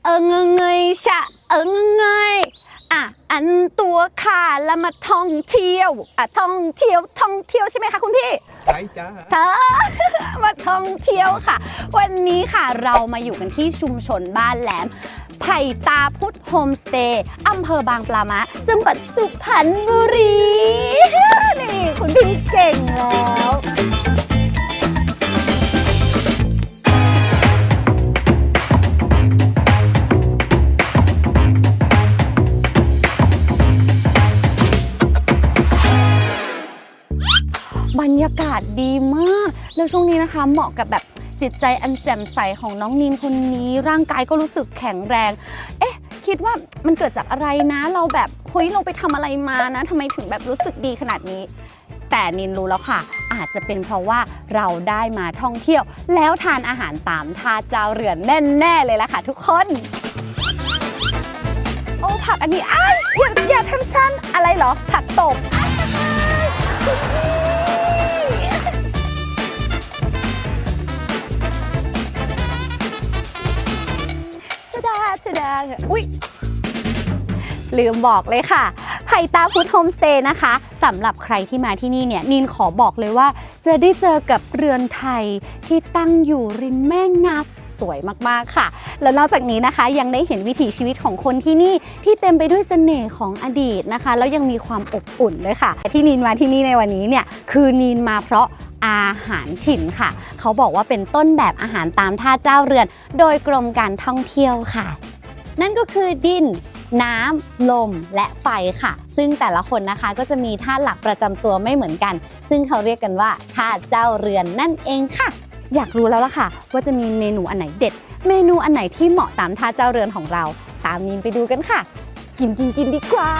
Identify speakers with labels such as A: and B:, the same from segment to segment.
A: เงยชะเงยอันตัวค่ะแล้วมาท่องเที่ยวท่องเที่ยวใช่ไหมคะคุณพี่
B: ใช่จ้า
A: มาท่องเที่ยวค่ะวันนี้ค่ะเรามาอยู่กันที่ชุมชนบ้านแหลมไผ่ตาพุธโฮมสเตย์อำเภอบางปลาม้าจังหวัดสุพรรณบุรีนี่คุณพี่เก่งแล้วบรรยากาศดีมากแล้วช่วงนี้นะคะเหมาะกับแบบจิตใจอันแจ่มใสของน้องนีนคนนี้ร่างกายก็รู้สึกแข็งแรงคิดว่ามันเกิดจากอะไรนะเราแบบเฮ้ยเราไปทำอะไรมานะทำไมถึงแบบรู้สึกดีขนาดนี้แต่นินรู้แล้วค่ะอาจจะเป็นเพราะว่าเราได้มาท่องเที่ยวแล้วทานอาหารตามท่าเจ้าเรือนแน่เลยล่ะค่ะทุกคนโอ้ผักอันนี้อย่าทำฉันอะไรเหรอผักตบอุ๊ยลืมบอกเลยค่ะไผ่ตาพุธโฮมสเตย์นะคะสำหรับใครที่มาที่นี่เนี่ยนินขอบอกเลยว่าจะได้เจอกับเรือนไทยที่ตั้งอยู่ริมแม่น้ำสวยมากๆค่ะแล้วนอกจากนี้นะคะยังได้เห็นวิถีชีวิตของคนที่นี่ที่เต็มไปด้วยเสน่ห์ของอดีตนะคะแล้วยังมีความอบอุ่นเลยค่ะที่นินมาที่นี่ในวันนี้เนี่ยคือนินมาเพราะอาหารถิ่นค่ะเขาบอกว่าเป็นต้นแบบอาหารตามท่าเจ้าเรือนโดยกรมการท่องเที่ยวค่ะนั่นก็คือดินน้ำลมและไฟค่ะซึ่งแต่ละคนนะคะก็จะมีท่าหลักประจำตัวไม่เหมือนกันซึ่งเขาเรียกกันว่าท่าเจ้าเรือนนั่นเองค่ะอยากรู้แล้วล่ะค่ะว่าจะมีเมนูอันไหนเด็ดเมนูอันไหนที่เหมาะตามท่าเจ้าเรือนของเราตามนินไปดูกันค่ะกินดีกว่า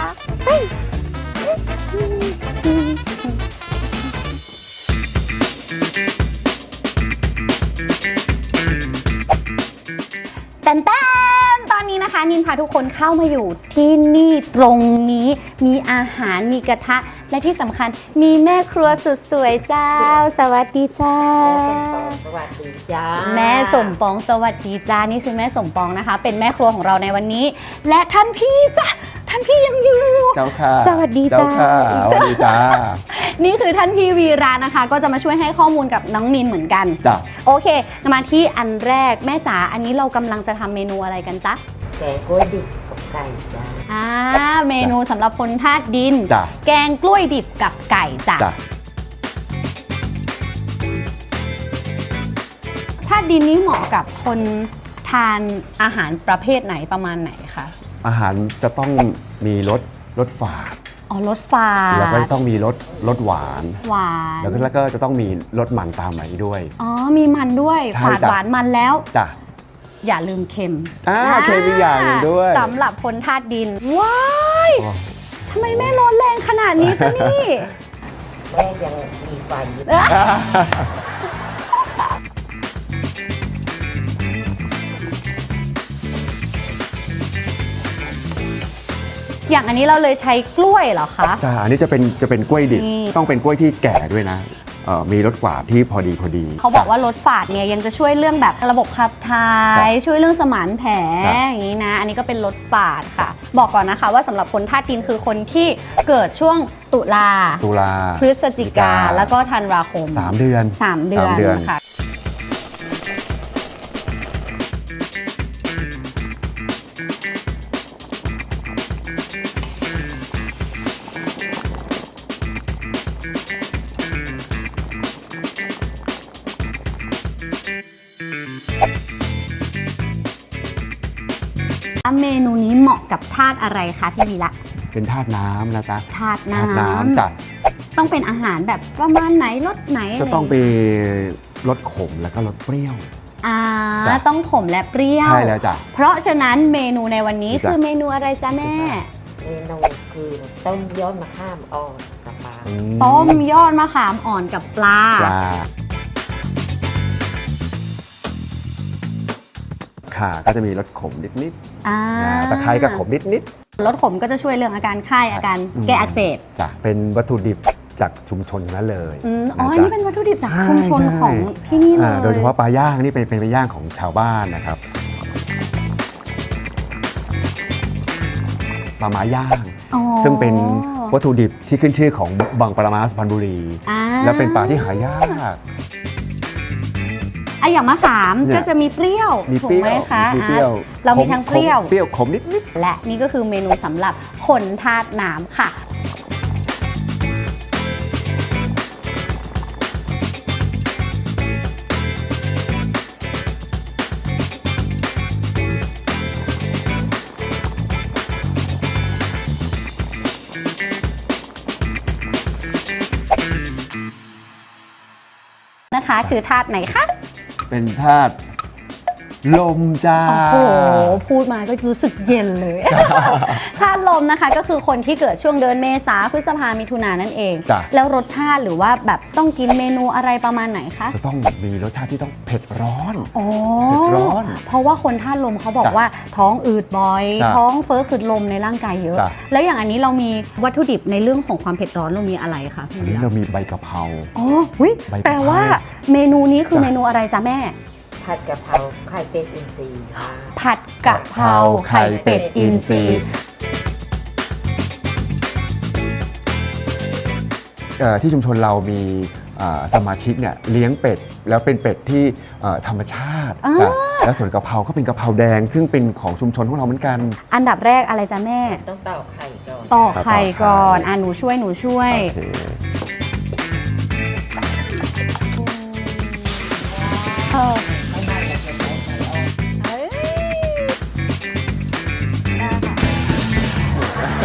A: แต่ตอนนี้นะคะนินพาทุกคนเข้ามาอยู่ที่นี่ตรงนี้มีอาหารมีกระทะและที่สำคัญมีแม่ครัวสุดสวยเจ้าสวัสดีจ้า
C: สวัสดีจ้า
A: แม่สมปองสวัสดีจ้านี่คือแม่สมปองนะคะเป็นแม่ครัวของเราในวันนี้และท่านพี่จ้ะท่านพี่ยังอยู่
B: เจ้าค่ะ
A: สวัสดีจ้า
B: สวัสดีจ้า
A: นี่คือท่านพี่วีระนะคะก็จะมาช่วยให้ข้อมูลกับน้องนินเหมือนกัน
B: จ้ะ
A: โอเคมาที่อันแรกแม่จ๋าอันนี้เรากำลังจะทำเมนูอะไรกันจ๊ะ
C: แกงกล้วยดิบกับไก่จ้า
A: เมนูสำหรับคนธาตุดิน
B: จ้ะ
A: แกงกล้วยดิบกับไก่จ้ะธาตุดินนี้เหมาะกับคนทานอาหารประเภทไหนประมาณไหนคะ
B: อาหารจะต้องมีรสฝาด
A: รสฝาด
B: แล้วก็ต้องมีรสหวานแล้วก็จะต้องมีรสมันตามมาด้วย
A: มีมันด้วยฝาดหวานมันแล้ว
B: จ้ะ
A: อย่าลืมเค็ม
B: เค็มอีกอย่างนึงด้วย
A: สำหรับคนธาตุดินว้ายทำไมแม่ร้อนแรงขนาดนี้จ๊ะนี่
C: แม่ยังมีไฟ
A: อย่างอันนี้เราเลยใช้กล้วยเหรอคะ
B: จ้าอันนี้จะเป็นกล้วยดิบต้องเป็นกล้วยที่แก่ด้วยนะมีรสฝาดที่พอดี
A: เขาบอกว่ารสฝาดเนี่ยยังจะช่วยเรื่องแบบระบบขับถ่ายช่วยเรื่องสมานแผลอย่างนี้นะอันนี้ก็เป็นรสฝาดค่ะบอกก่อนนะคะว่าสำหรับคนธาตุดินคือคนที่เกิดช่วงตุลาพฤศจิกาแล้วก็ธันวาคม
B: 3 เดือน
A: ค่ะเมนูนี้เหมาะกับธาตุอะไรคะพี่วีระ
B: เป็นธาตุน้ำนะจ๊ะ
A: ธาตุน้ำ
B: จัด
A: ต้องเป็นอาหารแบบประมาณไหนรสไหน
B: จะต้องเป็นรสขมแล้วก็รสเปรี้ยว
A: ต้องขมและเปรี้ยว
B: ใช่แล้วจ้ะ
A: เพราะฉะนั้นเมนูในวันนี้คือเมนูอะไรจ๊ะแม่
C: เมนูคือต้มยอดมะขามอ่อนกับปลา
A: ต้มยอดมะขามอ่อนกับปลา
B: ค่ะก็จะมีรสขมนิดๆตะไคร้ก็ขมนิด
A: รสขมก็จะช่วยเรื่องอาการไข้อาการแก้อักเสบ
B: จ้ะเป็นวัตถุดิบจากชุมชนนั้นเลย
A: นี่เป็นวัตถุดิบจากชุมชนของที่นี่เลย
B: โดยเฉพาะปลาย่างนี่เป็นปลาย่างของชาวบ้านนะครับปลาม้าย่าง
A: อ๋อ
B: ซึ่งเป็นวัตถุดิบที่ขึ้นชื่อของบางปลาม้าสุพรรณบุรี
A: อ่า
B: และเป็นปลาที่หายาก
A: อย่างมะขาม
B: เนี่ย
A: ก็จะมีเปรี้ยว
B: มี
A: ถู
B: เป
A: ก
B: รี้
A: ไหม
B: ยว
A: คะ
B: มีเปรี้ยว
A: เรามีทั้งเปรี้ยว
B: เปรี้ยวขมนิด
A: และนี่ก็คือเมนูสำหรับคนธาตุน้ำค่ะ นะคะคือธาตุไหนคะ
B: ๆเป็นธาตุลมจ้า
A: โอ้โห พูดมาก็รู้สึกเย็นเลย ธาตุลมนะคะก็คือคนที่เกิดช่วงเดือนเมษาพฤษภามิถุนายนนั่นเอง
B: จ้ะ
A: แล้วรสชาติหรือว่าแบบต้องกินเมนูอะไรประมาณไหนคะ
B: จะต้องมีรสชาติที่ต้องเผ็ดร้อน
A: อ๋อ
B: เผ็ดร้อน
A: เพราะว่าคนธาตุลมเขาบอก
B: จ้ะ
A: ว่าท้องอืดบ่อย
B: จ้ะ
A: ท้องเฟ้อขืดลมในร่างกายเยอะ
B: จ้ะ
A: แล้วอย่างอันนี้เรามีวัตถุดิบในเรื่องของความเผ็ดร้อนเรามีอะไรคะพี่
B: อันนี้
A: วีระ
B: เรามีใบกะเพรา
A: อ๋อหุ้ย
B: ใบกะเพรา
A: แปลว่าเมนูนี้คือ
B: จ้ะ
A: เมนูอะไรจ๊ะแม่
C: ผัดกะเพราไข่เป็ดอินทรีย์ค่ะ
A: ผัดกะเพราไข่เป็ดอินทรีย์
B: ที่ชุมชนเรามีสมาชิกเนี่ยเลี้ยงเป็ดแล้วเป็นเป็ดที่ธรรมชาติจ้ะแล้วส่วนกะเพราก็เป็นกะเพราแดง ซึ่งเป็นของชุมชนของเราเหมือนกัน
A: อันดับแรกอะไรจ๊ะแม่
C: ต้องตอกไข่ก่อน
A: ตอกไข่ก่อน
B: ตอกไข่
A: หนูช่วยหนูช่วย
B: โอเค
A: เออ
C: ไม่ได้เราจะใช้ไข่ออก
A: เอ้ยได้ค่ะ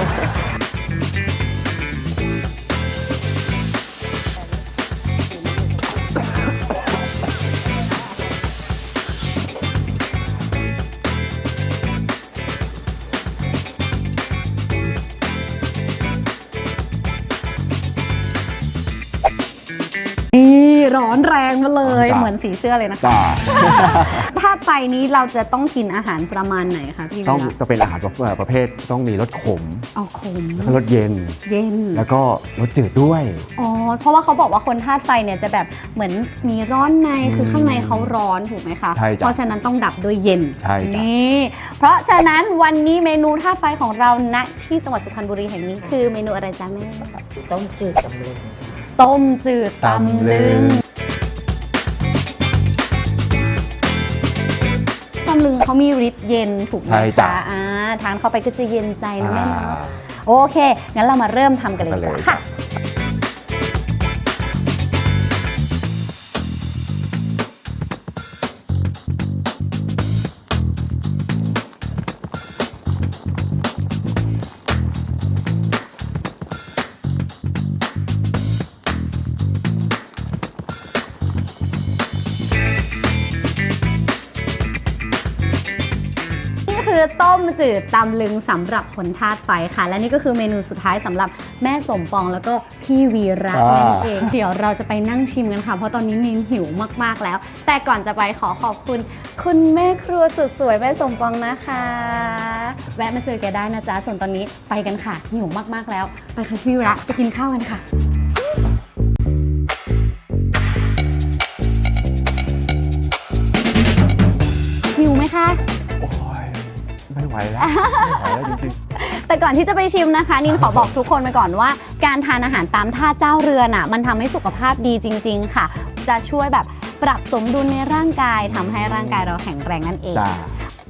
A: นี่ร้อนแรงมาเลย
B: จ้ะ
A: เหมือนสีเสื้อเลยนะคะ
B: จ้า
A: ธาตุไฟนี้เราจะต้องกินอาหารประมาณไหนคะพี่
B: ต้อง
A: วิระ
B: จะเป็นอาหารประเภทต้องมีรสขม
A: เอาขม
B: แล้วก็รสเย็น
A: เย็น
B: แล้วก็รสจืดด้วย
A: อ๋อ เพราะว่าเขาบอกว่าคนธาตุไฟเนี่ยจะแบบเหมือนมีร้อนในคือข้างในเขาร้อนถูกไหมคะ
B: ใช่จ้ะ
A: เพราะฉะนั้นต้องดับด้วยเย็น
B: ใช่จ้ะ
A: นี่เพราะฉะนั้นวันนี้เมนูธาตุไฟของเราณที่จังหวัดสุพรรณบุรีแห่งนี้คือเมนูอะไรจ๊ะแม่
C: ต้มจืดตำลึงค่ะ
A: ต้มจืดตำลึงตำลึงเขามีฤทธิ์เย็นถูกไหม
B: ใช่จ้ะ
A: คะทานเข้าไปก็จะเย็นใจนะแม่
B: อ่า
A: เนาะโอเค งั้นเรามาเริ่มทำกันเลยดีกว่าค่ะ นี่คือต้มจืดตำลึงสำหรับคนธาตุไฟค่ะ และนี่ก็คือเมนูสุดท้ายสำหรับแม่สมปองแล้วก็พี่วีระนั่นเอง เดี๋ยวเราจะไปนั่งชิมกันค่ะ เพราะตอนนี้นินหิวมากๆแล้ว แต่ก่อนจะไปขอขอบคุณคุณแม่ครัวสุดสวยแม่สมปองนะคะ แวะมาเจอแกได้นะจ๊ะ ส่วนตอนนี้ไปกันค่ะหิวมากๆแล้ว ไปค่ะพี่วีระไปกินข้าวกันค่ะ หิวไหมคะ
B: โอ้ยไม่ไหวแล้วไม่ไหวแล้วจริง
A: แต่ก่อนที่จะไปชิมนะคะนินขอบอกทุกคนไปก่อนว่า การทานอาหารตามท่าเจ้าเรือนมันทำให้สุขภาพดีจริง ๆ ค่ะ จะช่วยแบบปรับสมดุลในร่างกายทำให้ร่างกายเราแข็งแรงนั่นเอง
B: ๆจ้า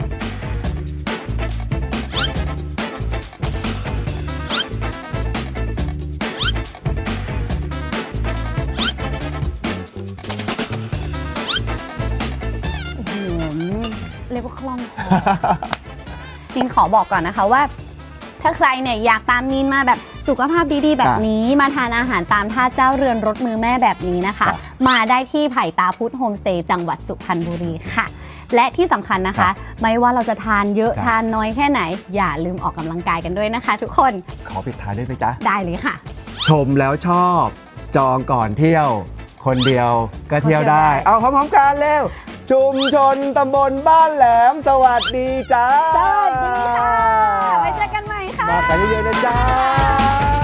A: โอ้โหเรียกว่าคล่องคอ นินขอบอกก่อนนะคะว่า ถ้าใครเนี่ยอยากตามนินมาแบบสุขภาพดีๆ แบบนี้มาทานอาหารตามท่าเจ้าเรือนรสมือแม่แบบนี้นะคะ มาได้ที่ไผ่ตาพุธโฮมสเตย์จังหวัดสุพรรณบุรีค่ะ และที่สำคัญนะคะ ไม่ว่าเราจะทานเยอะทานน้อยแค่ไหน อย่าลืมออกกำลังกายกันด้วยนะคะ ทุกคน
B: ขอปิดท้ายได้ไหมจ๊ะ
A: ได้เลยค่ะ
B: ชมแล้วชอบ จองก่อนเที่ยว คนเดียวก็เที่ยวได้ เอาพร้อมๆกันเร็ว ชุมชนตำบลบ้านแหลม สวัสดีจ้า
A: สวัสดีค่ะ ไว้เจอกันใหม่ค่ะ
B: มากันเยอะๆนะจ้า